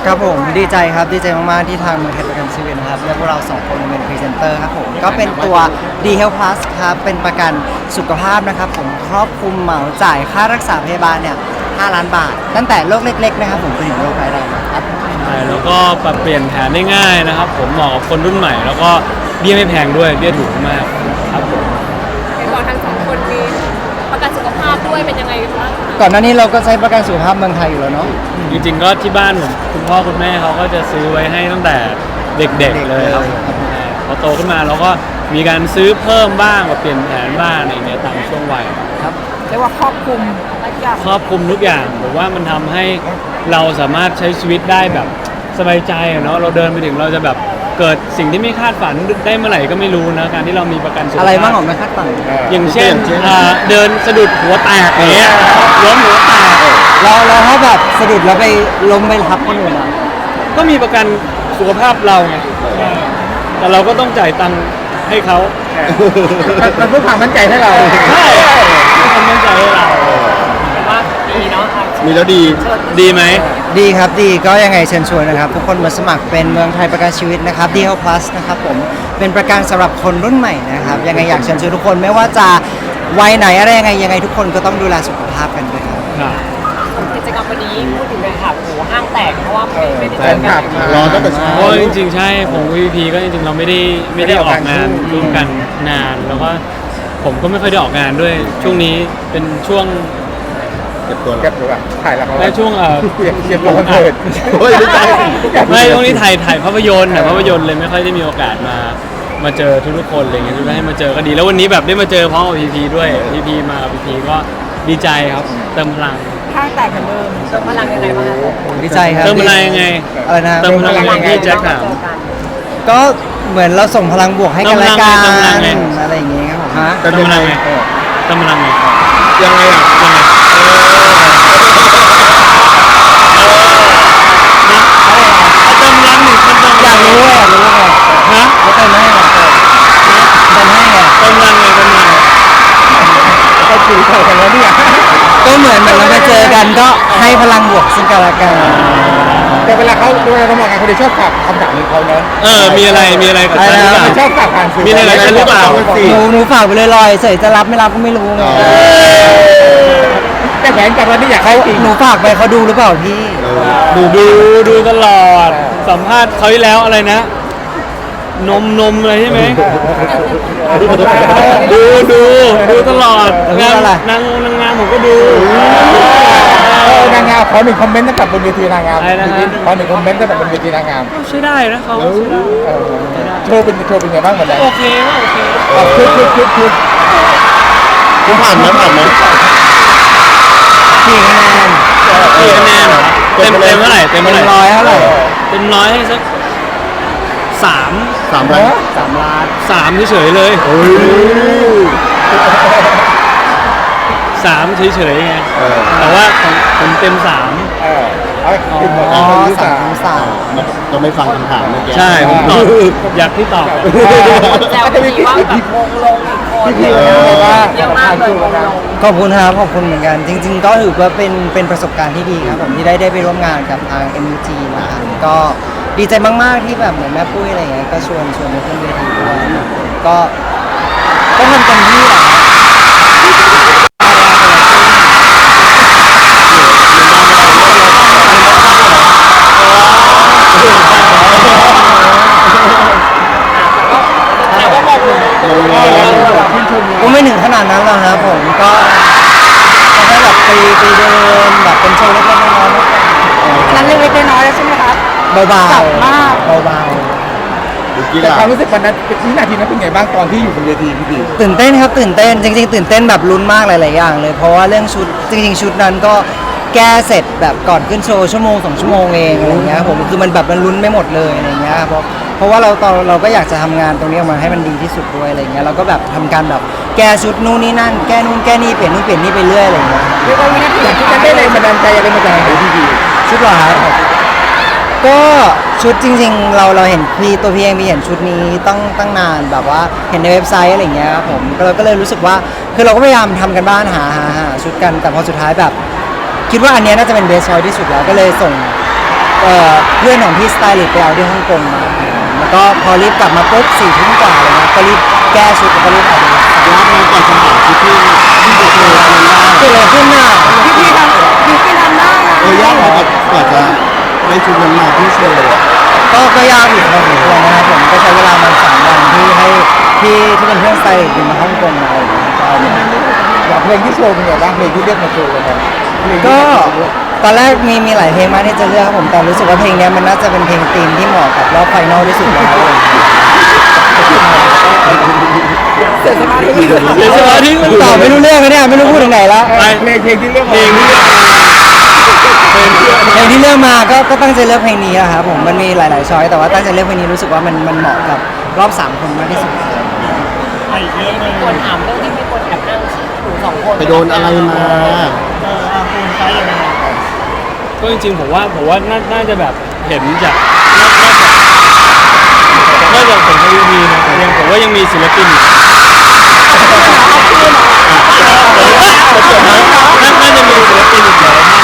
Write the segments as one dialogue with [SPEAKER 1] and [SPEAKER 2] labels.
[SPEAKER 1] ครับผมดีใจครับดีใจมากๆที่ทางเมืองไทยประกันชีวิตนะครับและพวกเราสองคนเป็นพรีเซนเตอร์ครับผมก็เป็นตัว D Health Plus ครับเป็นประกันสุขภาพนะครับผมครอบคลุมเหมาจ่ายค่ารักษาพยาบาลเนี่ย5 ล้านบาทตั้งแต่โรคเล็กๆนะครับผมไปถึงโรคร้ายแรงครับ
[SPEAKER 2] ใช่แล้วก็ปรับเปลี่ยนแผนได้ง่ายนะครับผมเหมาะกับคนรุ่นใหม่แล้วก็เบี้ยไม่แพงด้วยเบี้ยถูกมากครับผม
[SPEAKER 3] เห็นบอกทั้งสองคนมีประกันสุขภาพด้วยเป็นยังไงบ้างคะ
[SPEAKER 1] ก่อนหน้านี้เราก็ใช้ประกันสุขภาพเมืองไทยอยู่แล้วเนาะ
[SPEAKER 2] จริงๆก็ที่บ้านผมคุณพ่อคุณแม่เขาก็จะซื้อไว้ให้ตั้งแต่เด็กๆเลยครับใช่พอโตขึ้นมาเราก็มีการซื้อเพิ่มบ้างกับเปลี่ยนแผนบ้างอะไรอย่างเงี้ยตามช่วงวัย
[SPEAKER 1] ครับ
[SPEAKER 3] เรียกว่าครอบคลุมหลายอย่าง
[SPEAKER 2] ครอบคลุมทุกอย่างผมว่ามันทำให้เราสามารถใช้ชีวิตได้แบบสบายใจอะเนาะเราเดินไปถึงเราจะแบบเกิดสิ่งที่ไม่คาดฝันได้เมื่อไหร่ก็ไม่รู้นะการที่เรามีประกันสุขภาพ
[SPEAKER 1] อะไรบ้างของไม่คาดฝัน
[SPEAKER 2] อย่างเช่นเดินสะดุดหัวแตกอย่างเงี้ยล้มหัวแตก
[SPEAKER 1] เราถ้าแบบสะดุดแล้วไปล้มไปทับคนอื่นอ่ะ
[SPEAKER 2] ก็มีประกันสุขภาพเราไงแต่เราก็ต้องจ่ายตังค์ให้เขา
[SPEAKER 4] มันเพื่อความมั่นใจให้เรา
[SPEAKER 2] ใช่ให้ความมั่นใจให้เรา
[SPEAKER 3] แต่ว่าดีเนาะ
[SPEAKER 4] มีแล้วดี
[SPEAKER 2] ดีไหม
[SPEAKER 1] ดีครับดีก็ยังไงเชิญชวนนะครับทุกคนมาสมัครเป็นเมืองไทยประกันชีวิตนะครับ D Health Plus นะครับผมเป็นประกันสำหรับคนรุ่นใหม่นะครับยังไงอยากเชิญชวนทุกคนไม่ว่าจะวัยไหนอะไรยังไงทุกคนก็ต้องดูแลสุขภาพกันด้วยครับ
[SPEAKER 2] ครับ
[SPEAKER 3] กิจกรรมวันนี้พูดถึงเลยค่ะโหห้างแตกเพราะว่าไม่ได้
[SPEAKER 4] แฟ
[SPEAKER 3] เจอน
[SPEAKER 4] ค
[SPEAKER 3] กั
[SPEAKER 4] ลั
[SPEAKER 3] น
[SPEAKER 4] บรอตั้งแต่เช้า
[SPEAKER 2] เพราะจริงๆใช่ผม VP ก็จริงๆเราไม่ได้ออกงานร่วมกันนานแล้วก็ผมก็ไม่ค่อยได้ออกงานด้วยช่วงนี้เป็นช่วง
[SPEAKER 4] เก็บตัวถ่ายละคร
[SPEAKER 2] และช่วง
[SPEAKER 4] เก็บตัวคอนเสิร์ตโอ้ยไม่ใช่
[SPEAKER 2] ไม่ช่วงนี้ถ่ายภาพยนตร์ภาพยนตร์เลยไม่ค่อยได้มีโอกาสมาเจอทุกๆคนอะไรเงี้ยทุกท่านให้มาเจอก็ดีแล้ววันนี้แบบได้มาเจอพร้อมกับ VP ด้วย VP มากับ VP ก็ดีใจครับเติมพลัง
[SPEAKER 3] ห้างแตกเหมือนเดิมเติมพลังยังไงบ้างคะ
[SPEAKER 1] ดีใจครับ
[SPEAKER 2] เติมพลังยังไง
[SPEAKER 1] อะไรนะ
[SPEAKER 2] เติมพลังยังไงที่แจ็คถาม
[SPEAKER 1] ก็เหมือนเราส่งพลังบวกให้กันและกั
[SPEAKER 2] เติมพลัง
[SPEAKER 1] น
[SPEAKER 2] ไง
[SPEAKER 1] อะไรอย่างเงี้ยครับผมฮะ
[SPEAKER 2] เติมพลังไงเติมพลังไง
[SPEAKER 4] ยังไงอ่ะ
[SPEAKER 2] ยังไงเติมพลังหนึ่งคนเติมพ
[SPEAKER 1] อ
[SPEAKER 2] ลั
[SPEAKER 1] ยาง กรู้ไง
[SPEAKER 2] ฮะ
[SPEAKER 1] แล้วเติมให้ไงเติมให้ไง
[SPEAKER 2] เติมพลังไงเติมพลัง
[SPEAKER 4] ก็คุยกันแล้วเนี่ย
[SPEAKER 1] ก็เหมือนเราไปเจอกันก็ให้พลังบวกซึ่งกันและกัน
[SPEAKER 4] แต่เวลาเขามองงานเขาจะชอบฝากคำถามของเขาเนอะ
[SPEAKER 2] มีอะไรกับฉันหรือเปล่า
[SPEAKER 4] ชอบฝากผ่านสื่อ
[SPEAKER 2] มีอะไรกับฉันหรือเปล่า
[SPEAKER 1] หนูฝากไปเลยลอยเฉยจะรับไม่รับก็ไม่รู้ไง
[SPEAKER 4] แต่แผนกับวันนี้อยากให้จริง
[SPEAKER 1] หนูฝากไปเขาดูหรือเปล่าพี่
[SPEAKER 2] ดูตลอดสัมภาษณ์เขาที่แล้วอะไรนะ นมอะไรใช่ไหมดูตลอดนางงามผมก็ดู
[SPEAKER 4] นางงามขอหนึ่งคอมเมนต์ตั้งแต่บนเวทีนางงาม
[SPEAKER 2] อะไรนะฮะ
[SPEAKER 4] ขอหนึ่งคอมเมนต์ตั้งแต่บนเวทีนางงาม
[SPEAKER 2] ใช้ได้นะเขาใช้ได้
[SPEAKER 4] โชว์เป็นไงบ้างเหมือนกัน
[SPEAKER 2] โอเคว่าโอเค
[SPEAKER 4] คือคุณผ่านไหม
[SPEAKER 1] กี่คะแนน
[SPEAKER 2] กี่คะแนนเต็มเท่าไหร่เต็ม
[SPEAKER 1] เต็
[SPEAKER 2] เท่าม ไหร่
[SPEAKER 1] ร้อยเท่าไหร่
[SPEAKER 2] เต็มร้อยให้สักสาม
[SPEAKER 4] 3 ล้าน
[SPEAKER 1] 3 ล้าน
[SPEAKER 2] สามเฉยๆเลยสามเฉยๆไงแต่ว่าของผมเต็มสาม
[SPEAKER 1] อ๋อ3
[SPEAKER 4] เราไม่ฟังคำถามเมื่อกี้
[SPEAKER 2] ใช่ผมตอบอยากที่ตอบ
[SPEAKER 3] แซวดีว่าแบบวงลงอีกคน
[SPEAKER 4] พี่ว่า
[SPEAKER 3] เยอะมากเลยวงลง
[SPEAKER 1] ขอบคุณครับขอบคุณเหมือนกัน จริง ๆ ก็ถือว่าเป็นประสบการณ์ที่ดีครับผมที่ได้ไปร่วมงานกับทาง MUG นะครับก็ดีใจมากๆที่แบบเหมือนแม่ปุ้ยอะไรอย่างเงี้ยก็ชวนมาขึ้นเวทีด้วยก็ทำเต็มที่แหละก็ไม่ถึงขนาดนั้นหรอกครับผมก็แค่แบบไปเดินแบบเป็นโชว์เล็กๆน้อยๆ
[SPEAKER 3] นั้นเล็กๆน้อยๆแล้วใช่ไหมคะ
[SPEAKER 1] เบา
[SPEAKER 3] จับมาก
[SPEAKER 1] ๆเบา
[SPEAKER 4] แต่ความรู้สึกวันนั้นวินาทีนั้นเป็นไงบ้างตอนที่อยู่บนเวทีพี่
[SPEAKER 1] ๆตื่นเต้นครับตื่นเต้นจริงๆตื่นเต้นแบบลุ้นมากหลายๆอย่างเลยเพราะว่าเรื่องชุดจริงๆชุดนั้นก็แก้เสร็จแบบก่อนขึ้นโชว์ชั่วโมง2 ชั่วโมงเองอะไรอย่างเงี้ยผมคือมันแบบมันลุ้นไม่หมดเลยอะไรอย่างเงี้ยเพราะว่าเราก็อยากจะทำงานตรงนี้ออกมาให้มันดีที่สุดด้วยอะไรอย่างเงี้ยเราก็แบบทำการแบบแก้ชุดนู่นนี่นั่นแก้นู่นแก้นี่เปลี่ยนนู่นเปลี่ยนนี่ไปเรื่อยอะไรอย่างเงี้ย
[SPEAKER 3] เรียกว่าวินาที
[SPEAKER 4] อยาก
[SPEAKER 3] ที่
[SPEAKER 4] ที่จะได้แรงบันดาลใจอะไรมาจากไหนพี่
[SPEAKER 1] ชุดเหรอครับก็ชุดจริงๆเราเห็นตัวพี่เองมีเห็นชุดนี้ตั้งนานแบบว่าเห็นในเว็บไซต์อะไรอย่างเงี้ยครับผมเราก็เลยรู้สึกว่าคือเราก็พยายามทำกันบ้านหาชุดกันแต่พอสุดท้ายแบบคิดว่าอันเนี้ยน่าจะเป็นเบสชอยที่สุดแล้วก็เลยส่งเพื่อนของพี่สไตลิสต์ไปเอาที่ฮ่องกงมาแล้วก็พอรีบกลับมาปุ๊บ4 ทุ่มกว่าอะไรเงี้ยก็รีบแก้ชุดแล้วก็รีบเอาไป
[SPEAKER 5] ยากไหมกว่าจะหาชุดที่โอเคอะไรได้
[SPEAKER 1] เกิดอะไรขึ้นน่ะ
[SPEAKER 3] พี่ทำได้นะ
[SPEAKER 5] ยากไหมกว่าจะได้ชุดนั้นมาที่โชว์
[SPEAKER 1] ก็ยากอยู่พอสมควรนะครับผมก็ใช้เวลามัน3 วันที่ให้ที่เป็นเพื่อนสไตลิสต์บินมาฮ่องกงมาอะไรอย่างเงี้ยก็เอามา
[SPEAKER 4] อย่างเพลงที่โชว์เป็นไงบ้างเพลงที่เรียกมาโชว์กันครับเพลงที่
[SPEAKER 1] ก็
[SPEAKER 4] เรียกมาโชว์
[SPEAKER 1] ตอนแรกมีหลายเพลงมากที่จะเลือกครับผมแต่รู้สึกว่าเพลงเนี้ยมันน่าจะเป็นเพลงธีมที่เหมาะกับรอบไฟนอลที่สุดแล้วอะไรอย่างเงี้ย
[SPEAKER 3] เสียสมาธิ
[SPEAKER 2] เดี๋ยวสมาธิมัน
[SPEAKER 1] ตอบไม่รู้เรื่องเลยเนี่ยไม่รู้พูดถึงไหนแล้ว
[SPEAKER 4] เพลงที่เรียก
[SPEAKER 2] เพ
[SPEAKER 4] มา
[SPEAKER 2] ลงที่เลือกมาเพลงที่เลือก
[SPEAKER 1] เพลงที่เลือกมาก็ตั้งใจเลือกเพลงนี้นะครับผมมันมีหลายๆช้อยแต่ว่าตั้งใจเลือกเพลงนี้รู้สึกว่ามันเหมาะกับรอบ3 คนมากที่สุด
[SPEAKER 3] คนถามเรื่องที่ไม่ควรแอบอ้างหนู2 คน
[SPEAKER 5] ไปโดนอะไรมา
[SPEAKER 2] ก็จริงๆผมว่าน่าจะแบบเห็นจากน่าจะผมทวีนะแต่ยังผมว่ายังมีศิลปินอีกน่าจะมีศิลปินอีกหลายท่าน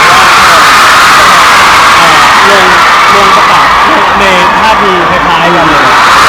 [SPEAKER 2] ที่ลงประกาศในท่าทีคล้ายๆกันเลย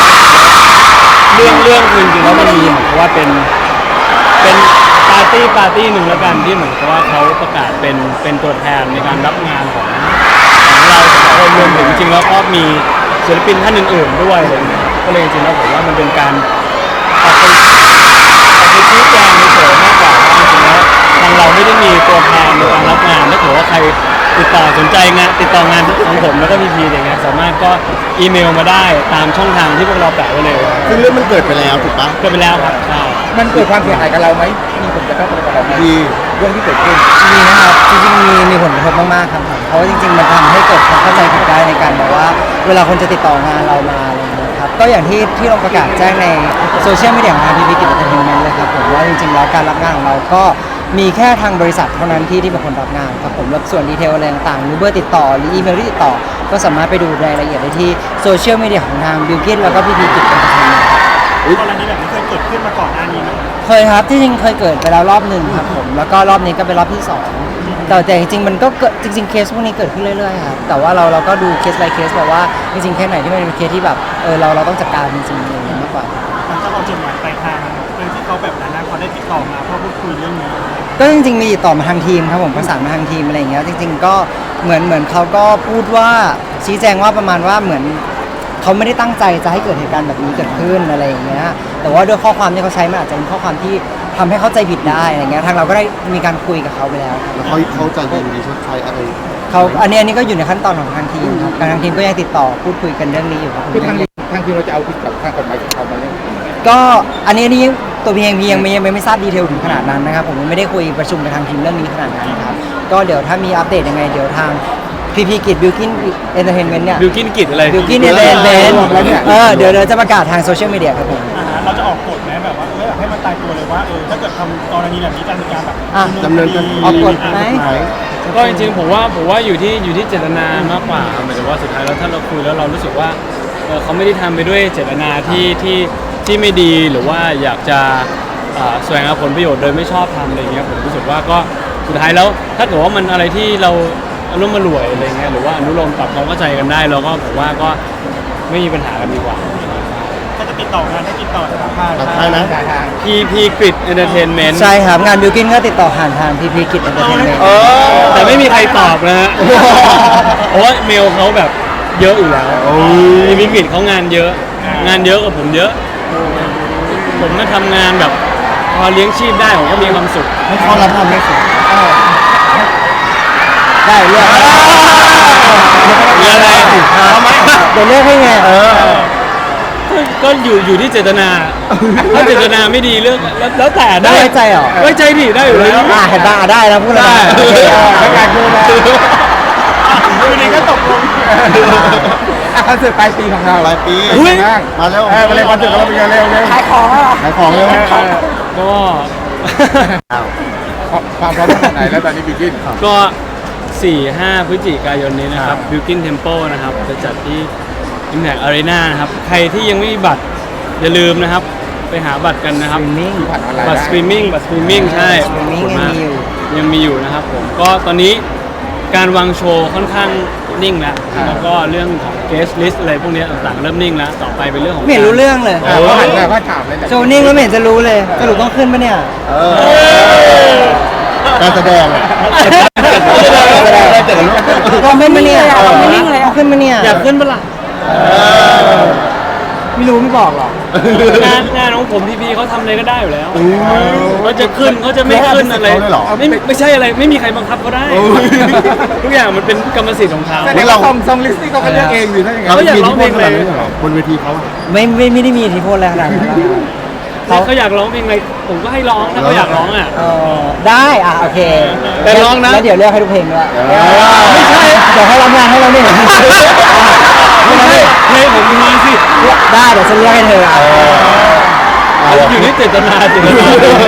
[SPEAKER 2] เรื่องคือจริงๆแล้วมันมีเหมือนกับว่าเป็นปาร์ตี้หนึ่งแล้วกันที่เหมือนกับว่าเขาประกาศเป็นตัวแทนในการรับงานของเราสองคนรวมถึงจริงๆแล้วก็มีศิลปินท่านอื่นๆด้วยอะไรเงี้ยก็เลยจริงๆแล้วผมว่ามันเป็นการออกไปชี้แจงเฉยๆมากกว่าว่าจริงๆแล้วทางเราไม่ได้มีตัวแทนในการรับงานถ้าเกิดว่าใครติดต่อสนใจงานติดต่องานของผมแล้วก็พีอย่างเงี้ยสามารถก็อีเมลมาได้ตามช่องทางที่พวกเราแปะไว้เลย
[SPEAKER 5] ซึ่งเรื่องมันเกิดไปแล้วถูกปะ
[SPEAKER 2] ก็ไปแล้วครับใช่
[SPEAKER 4] มันเกิดความเสียหายกับเราไหมมีผลกระทบอะไรกับเราไหม
[SPEAKER 5] ดี
[SPEAKER 4] เรื่องที่เกิดขึ้น
[SPEAKER 1] มีนะครับจริงๆมีผลกระทบมากๆครับผมเพราะว่าจริงๆมันทำให้เกิดความเข้าใจผิดได้ในการแบบว่าเวลาคนจะติดต่องานเรามาอะไรอย่างเงี้ยครับก็อย่างที่เราประกาศแจ้งในโซเชียลมีเดียของทางพีพีกิจเอนเตอร์เทนเมนต์เลยครับผมว่าจริงๆแล้วการรับงานของเราก็มีแค่ทางบริษัทเท่านั้นที่เป็นคนรับงานครับผมแล้วส่วนดีเทลอะไรต่างๆหรือเบอร์ติดต่อหรืออีเมลที่ติดต่อก็สามารถไปดูรายละเอียดได้ที่โซเชียลมีเดียของทางบิลกินแล้วก็พีพีกิจเอนเตอร์เทนเมนต์
[SPEAKER 6] กรณีแบบนี้เคยเกิดขึ้นมาก่อนหน้านี้ไหม
[SPEAKER 1] เคยครับที่จริงเคยเกิดไปแล้วรอบหนึ่งครับผมแล้วก็รอบนี้ก็เป็นรอบที่สองแต่จริงๆมันก็เกิดจริงๆเคสพวกนี้เกิดขึ้นเรื่อยๆครับแต่ว่าเราก็ดูเคส by เคสแบบว่าจริงๆเคสไหนที่มันเป็นเคสที่แบบเราต้องจัดการจริงๆอะไรอย่างเงี้ยมากกว่า
[SPEAKER 6] มันจะเอาจดหมายปลายทางเรื่องที่เขาแบบนั้นนะเขาได้ติดต่อมาเพื่อพูดคุยเรื่องนี้
[SPEAKER 1] ก็จริงๆมีติดต่อมาทางทีมครับผมประสานมาทางทีมอะไรอย่างเงี้ยจริงๆก็เหมือนเขาก็พูดว่าชี้แจงว่าประมาณว่าเหมือนเขาไม่ได้ตั้งใจจะให้เกิดเหตุการณ์แบบนี้เกิดขึ้นอะไรอย่างเงี้ยแต่ว่าด้วยข้อความที่เขาใช้มันอาจจะเป็นข้อความที่ทำให้เข้าใจผิดได้อะไรเงี้ยทางเราก็ได้มีการคุยกับเขาไปแล้วครับ
[SPEAKER 5] แล้วเขาจะยินดีชดใช้อะไร
[SPEAKER 1] เขาอันนี้ก็อยู่ในขั้นตอนของทางทีมครับทางทีมก็ยังติดต่อพูดคุยกันเรื่องนี้อยู่ครับ
[SPEAKER 4] คือทางทีมเราจะเอาผิดกับทางกฎหมายของเขาไหมเนี่ย
[SPEAKER 1] ก็อันนี้ตัวพียังไม่ทราบดีเทลถึงขนาดนั้นนะครับผมไม่ได้คุยประชุมกับทางทีมเรื่องนี้ขนาดนั้นครับก็เดี๋ยวถ้ามีอัปเดตยังไงเดี๋ยวทางพีพีกิจบิลกินเอนเตอร์เทนเมนต์เนี่ย
[SPEAKER 2] บิลกินกิจอะไร
[SPEAKER 1] บิลกินเอนเตอร์เทนเมนต์เดี๋ยวจะประกาศทางโซเชียลมีเดียครับผม
[SPEAKER 6] เราจะออกกฎไหมแบบว่าไม่อยากให้มันตายตัวเลยว่าถ้าเกิดทำกรณีแบบนี้จะมีการแบบ
[SPEAKER 1] อ่ะ
[SPEAKER 5] ดำเนินคดี
[SPEAKER 1] ออกกฎไหม
[SPEAKER 2] ก็จริงๆผมว่าอยู่ที่เจตนามากกว่าหมายถึงว่าสุดท้ายแล้วถ้าเราคุยแล้วเรารู้สึกว่าเขาไม่ได้ทำไปด้วยเจตนาที่ไม่ดีหรือว่าอยากจะแสวงหาผลประโยชน์โดยไม่ชอบทำอะไรเงี้ยผมรู้สึกว่าก็สุดท้ายแล้วถ้าเกิดว่ามันอะไรที่เราอารมณ์มารวยอะไรเงี้ยหรือว่าอนุโลมปรับความเข้าใจกันได้เราก็ผมว่าก็ไม่มีปัญหากันดีกว่า
[SPEAKER 6] ถ้าจะติดต่องานให้ติดต่อสถาบัน
[SPEAKER 5] ตัดท้ายนะ
[SPEAKER 2] PP Grid Entertainment
[SPEAKER 1] ใช่ครับงานบิลกินก็ติดต่อผ่านทางพีพีกิจเอนเตอร์เทนเมนต์
[SPEAKER 2] แต่ไม่มีใครตอบนะฮะ เพราะว่าเมลเขาแบบเยอะอยู่แล้วPP Grid เขางานเยอะ งานเยอะกว่าผมเยอะ ผมมาทำงานแบบพอเลี้ยงชีพได้ผมก็มีความสุข
[SPEAKER 5] ให้เขารับทำไม่สุด
[SPEAKER 1] ได้เลือก
[SPEAKER 2] มีอะไรทำไม
[SPEAKER 1] เดี๋ยวเลือกให้ไง
[SPEAKER 2] ก็อยู่ที่เจตนา ถ้าเจตนาไม่ดีเรื่องแล้วแต่ได้
[SPEAKER 1] ไว้ใจเหรอ
[SPEAKER 2] ไว้ใจดิได้อยู่แล้ว
[SPEAKER 1] เห็นป่ะได้แล้วพูดแล้ว
[SPEAKER 2] ได้
[SPEAKER 4] แล้วการดูแล
[SPEAKER 6] คือนี้ก็ตกลง
[SPEAKER 4] คอนเสิร์ตปลายปีของเรา
[SPEAKER 5] ปลายปี
[SPEAKER 4] เป็นไงบ้าง
[SPEAKER 5] มาแล้ว
[SPEAKER 4] มาเลยคอนเสิร์ตของเราเป็นไงเร็ว
[SPEAKER 3] ขายของแล้วเหรอ
[SPEAKER 5] ขายของเร็ว
[SPEAKER 2] ก็
[SPEAKER 4] ความพร้อมขนาดไหนแล้วตอนนี้บิวกิน
[SPEAKER 2] ก็ 4-5 พฤศจิกายนนี้นะครับ Built-in Temple นะครับจะจัดที่ Impact Arena นะครับ ใครที่ยังไม่มีบัตรอย่าลืมนะครับ ไปหาบัตรกันนะครับ
[SPEAKER 1] มิ่ง
[SPEAKER 4] ผ่านออนไลน์
[SPEAKER 2] บัตรสตรีมมิ่งใช่
[SPEAKER 1] สตรีมมิ่ง
[SPEAKER 2] ขอบคุณาก
[SPEAKER 1] ยังมีอยู่
[SPEAKER 2] ยังมีอยู่นะครับผมก็ตอนนี้การวางโชว์ค่อนข้างนิ่งแล้วแล้วก็เรื่องของ guest list อะไรพวกเนี้ยต่างๆเริ่มนิ่งแล้วต่อไปเป็นเรื่องของ
[SPEAKER 1] ไม่เห็นรู้เรื่องเลย
[SPEAKER 4] เขาหันมาว่าถามเลยแหละ
[SPEAKER 1] โชว์นิ่งแล้วไม่เห็นจะรู้เลยสรุปต้องขึ้นปะเนี่ย
[SPEAKER 5] การแสดงอะ
[SPEAKER 1] ต้องขึ้นปะเนี่ยต้องขึ้นปะเนี่ย
[SPEAKER 2] อยากขึ้นปะล่ะ
[SPEAKER 1] ไม่รู้ไม่บอกหรอก
[SPEAKER 2] งานของผมพีพีเขาทำอะไรก็ได้อยู่แล้วเขาจะขึ้นเขาจะไม่ขึ้นอะไรไม่ใช่อะไรไม่มีใครบังคับเขาได้ ทุกอย่างมันเป็นกรรมสิทธิ์ของเขา
[SPEAKER 4] แต่เราซองลิสต์นี่เขาก็เลือกเองอยู่นั่นเอง
[SPEAKER 2] เขาอยากร้องเพลงอะไร
[SPEAKER 5] บนเวทีเขาอะ
[SPEAKER 1] ไม่ได้มีอิทธิพลอะไรขนาดนั้น
[SPEAKER 2] เขาอยากร้องเพลงอะไรผมก็ให้ร้องถ้าเขาอยากร้องอ่ะ
[SPEAKER 1] ได้อ่ะโอเค
[SPEAKER 2] แต่ร้องนะ
[SPEAKER 1] แล้วเดี๋ยวเลือกให้ทุกเพลงด้วย
[SPEAKER 2] ไม่ใช่
[SPEAKER 1] เดี๋ยวให้รับงานให้เราเนี่ย
[SPEAKER 2] ไม่ใช่เพลงผมมีสิ
[SPEAKER 1] ได้เดี๋ยวฉันเลือกให้เธออ่ะ
[SPEAKER 2] อยู่ที่เจตนาเจตนา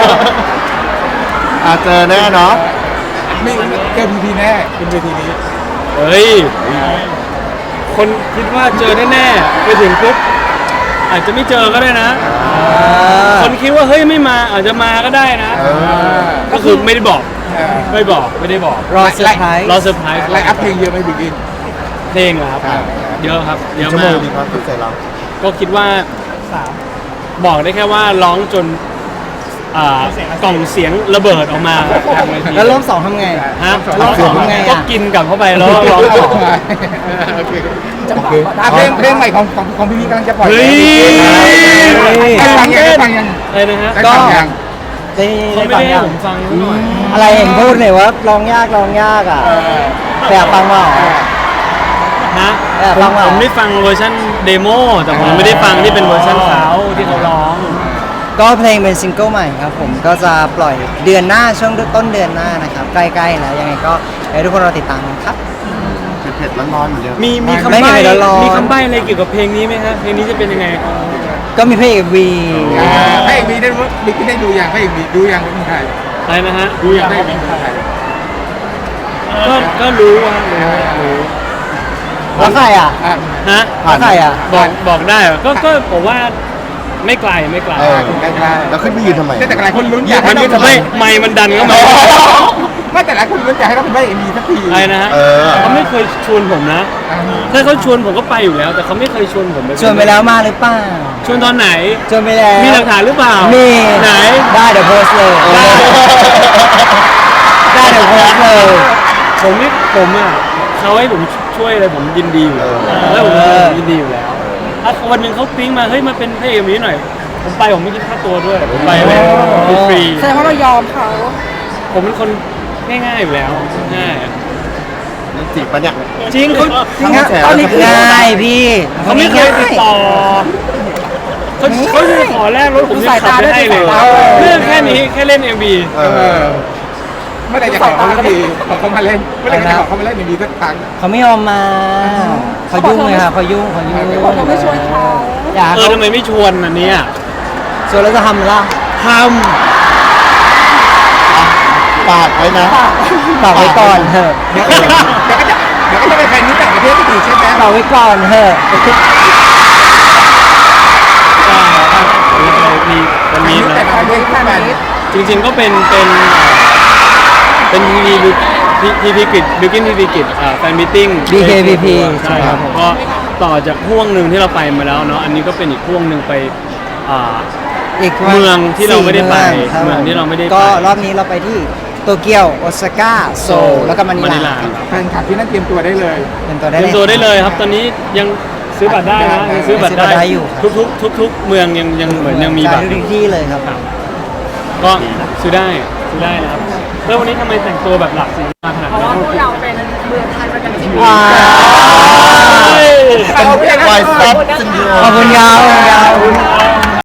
[SPEAKER 5] เจอแน่เนาะ
[SPEAKER 4] ไม่เจอพีพีแน่เป็นเวทีนี้
[SPEAKER 2] เฮ้ยคนคิดว่าเจอแน่ๆไปถึงปุ๊บอาจจะไม่เจอก็ได้นะ คนคิดว่าเฮ้ยไม่มาอาจจะมาก็ได้นะ ก็คือไม่ได้บอกไม่ได้บอก
[SPEAKER 1] รอเซอร์ไพรส์
[SPEAKER 2] รอเซอร์ไพรส์
[SPEAKER 4] ไลน์อัพเพลงเยอะไหมบิ๊กอิน
[SPEAKER 2] เพลงเหรอครับเยอะครับเยอะ
[SPEAKER 5] ชั่วโม
[SPEAKER 2] มาง ก
[SPEAKER 5] ดีครับที่ใส่เรา
[SPEAKER 2] ก็คิดว่าบอกได้แค่ว่าร้องจนกล่องเสียงระเบิดออกมาทางเวที
[SPEAKER 1] แล้วรอบสองทำไง
[SPEAKER 2] ฮะ
[SPEAKER 1] รอบสองทำไง
[SPEAKER 2] ก็
[SPEAKER 1] อ่ะ
[SPEAKER 4] Dạ.
[SPEAKER 2] กินกลับเข้าไปแล้วร้องต่อ
[SPEAKER 4] โอเคเพลงใหม่ของพี่พีกำลังจะปล่อย
[SPEAKER 2] เฮ้ย
[SPEAKER 4] ได้ฟังยัง
[SPEAKER 2] อะไรนะฮะ
[SPEAKER 4] ได้ฟังยัง
[SPEAKER 1] ได้
[SPEAKER 2] เขาไม่
[SPEAKER 1] ฟัง
[SPEAKER 2] ได้ให้
[SPEAKER 1] ยัง
[SPEAKER 2] ผมฟังหน่อย
[SPEAKER 1] อะไรเห็นพูดเลยว่าร้องยากอ่ะแต่อยากฟังว่า
[SPEAKER 2] ฮะ
[SPEAKER 1] ฟังเหรอ
[SPEAKER 2] ผมได้ฟังเวอร์ชันเดโมแต่ผมไม่ได้ฟังที่เป็นเวอร์ชันเขาที่เขาร้อง
[SPEAKER 1] ก็เพลงเป็นซิงเกิลใหม่ครับผมก็จะปล่อยเดือนหน้าช่วงต้นเดือนหน้านะครับใกล้ๆแล้วยังไงก็ให้ทุกคนรอติดตามกันครับ
[SPEAKER 5] เผ็ดๆร้อนๆเหมือนเดิม
[SPEAKER 2] มีคำ
[SPEAKER 1] ไม่
[SPEAKER 2] ใบ้
[SPEAKER 1] มีร้อนๆ
[SPEAKER 2] มีคำใบ้อะไรเกี่ยวกับเพลงนี้ไหมฮะเพลงนี้จะเป็นยังไง
[SPEAKER 1] ก็มีเพลงวี
[SPEAKER 4] พระเอกมีได้บิ๊กได้ดูยังพระเอกมีดูยังว่าเป็นใคร
[SPEAKER 2] อะไรนะฮะ
[SPEAKER 4] ดูยังพระเอกมีเป็นใคร
[SPEAKER 2] ก็รู้ว่ารู้
[SPEAKER 1] แล้วใครอ่ะ
[SPEAKER 2] ฮะ
[SPEAKER 1] แล้วใครอ่ะ
[SPEAKER 2] บอกได้เหรอก็ผมว่าไม่ไกล
[SPEAKER 4] ใกล้ๆ
[SPEAKER 5] แล้วขึ้นไปยืนทำไม
[SPEAKER 4] แต่หลายคนลุ้นอยากให้
[SPEAKER 2] มัน
[SPEAKER 4] เรา
[SPEAKER 2] ไม่มันดันเข้ามา
[SPEAKER 4] ไม่แต่หลายคนลุ้นอยากให้เราเป็นพระเอกมีสักที
[SPEAKER 2] อะไรนะฮะ
[SPEAKER 5] เออ
[SPEAKER 2] เขาไม่เคยชวนผมนะ ถ้าเขาชวนผมก็ไปอยู่แล้ว แต่เขาไม่เคยชวนผม
[SPEAKER 1] ชวนไปแล้วมาหรือเปล่า
[SPEAKER 2] ชวนตอนไหน
[SPEAKER 1] ชวนไปแล้ว
[SPEAKER 2] มีหลักฐานหรือเปล่า
[SPEAKER 1] มี
[SPEAKER 2] ไหน
[SPEAKER 1] ได้เดี๋ยวโพสต์เลย ได้เดี๋ยวโพสต์เลย
[SPEAKER 2] ผมอ่ะเขาให้ผมช่วยอะไรผมยินดีอยู่แล้วแล้วผมยินดีอยู่แล้วถ้าวันหนึ่งเขาปิ๊งมาเฮ้ยมาเป็นพระเอกนี้หน่อย ผมไปผมไม่คิดค่าตัวด้วยผมไปเลยฟรี
[SPEAKER 3] แสดงว่าเรายอมเขา
[SPEAKER 2] ผมเป็นคนง่ายๆอยู่แล้วง่าย
[SPEAKER 5] จีบปะเนี่ย
[SPEAKER 2] จริงเขา
[SPEAKER 1] จริงฮะตอนนี้คือง่ายพี่
[SPEAKER 2] เขาไม่เคยติดต่อเขาจะขอแลกรถผมยังขับไม่ให้เลยเรื่องแค่นี้แค่เล่น MV
[SPEAKER 5] เออ
[SPEAKER 4] เมื่อไหร่จะขอเขาสักทีขอเขามาเล่นเมื่อไหร่จะขอเขามาเล่นมีสักครั้ง
[SPEAKER 1] เขาไม่ยอมมาเขายุ่งเลยค่ะเขายุ่ง
[SPEAKER 3] เขาไม่ชวนเขา
[SPEAKER 1] อยาก
[SPEAKER 2] ทำไมไม่ชวนอันเนี้ย
[SPEAKER 1] ชวนแล้วจะทำล่ะ
[SPEAKER 2] ท
[SPEAKER 5] ปากไว้นะ
[SPEAKER 1] ฝากไว้ก่อนเถอะ
[SPEAKER 4] เดี๋ยวก็จะไปแฟนนี้ต่างประเทศก็ถือใช่ไหม
[SPEAKER 1] ฝากไว้ก่อนเถอะ
[SPEAKER 2] ำมีวันนี้
[SPEAKER 4] แต่
[SPEAKER 2] นะ
[SPEAKER 4] ประเทศแฟน
[SPEAKER 2] จริงๆก็เป็นทีวีกิจบิวกิ้นทีวีกิจแฟนมิทติ้ง
[SPEAKER 1] BKPP
[SPEAKER 2] ใช่ครับผมก็ต่อจากห่วงหนึ่งที่เราไปมาแล้วเนาะอันนี้ก็เป็นอีกห่วงหนึ่งไป
[SPEAKER 1] อีก
[SPEAKER 2] เมืองที่เราไม่ได้ไป
[SPEAKER 1] 4
[SPEAKER 2] เมืองที่เราไม่ได้ไป
[SPEAKER 1] ก็รอบนี้เราไปที่โตเกียวโอซาก้าโซลแล้วก็มะนิลา
[SPEAKER 4] แฟนคลับที่นั่นเตรียมตัวได้เลย
[SPEAKER 1] เป็นตัว
[SPEAKER 2] เต
[SPEAKER 1] ได้
[SPEAKER 2] รียมตัวได้เลยครับ ตอนนี้ยังซื้อบัตรได้นะยังซื้อบัตร
[SPEAKER 1] ซื้อบัตรได้อยู่ครับ
[SPEAKER 2] ทุกเมืองยังเหมือนยังมีบัตร
[SPEAKER 1] ทุกที่เลยครับ
[SPEAKER 2] ก็ซื้อได้นะครับแล้ววันนี้ทำไมแต่งตัวแบบหลากสีมาขนาด
[SPEAKER 3] เพราะ
[SPEAKER 2] นั้
[SPEAKER 3] ว่าน พวกเราเป็นเมืองไทยประกันชีวิต
[SPEAKER 1] ว้าว
[SPEAKER 5] เป็นวายซับซินโดร
[SPEAKER 1] ขอบ
[SPEAKER 5] ม
[SPEAKER 1] คุณยาว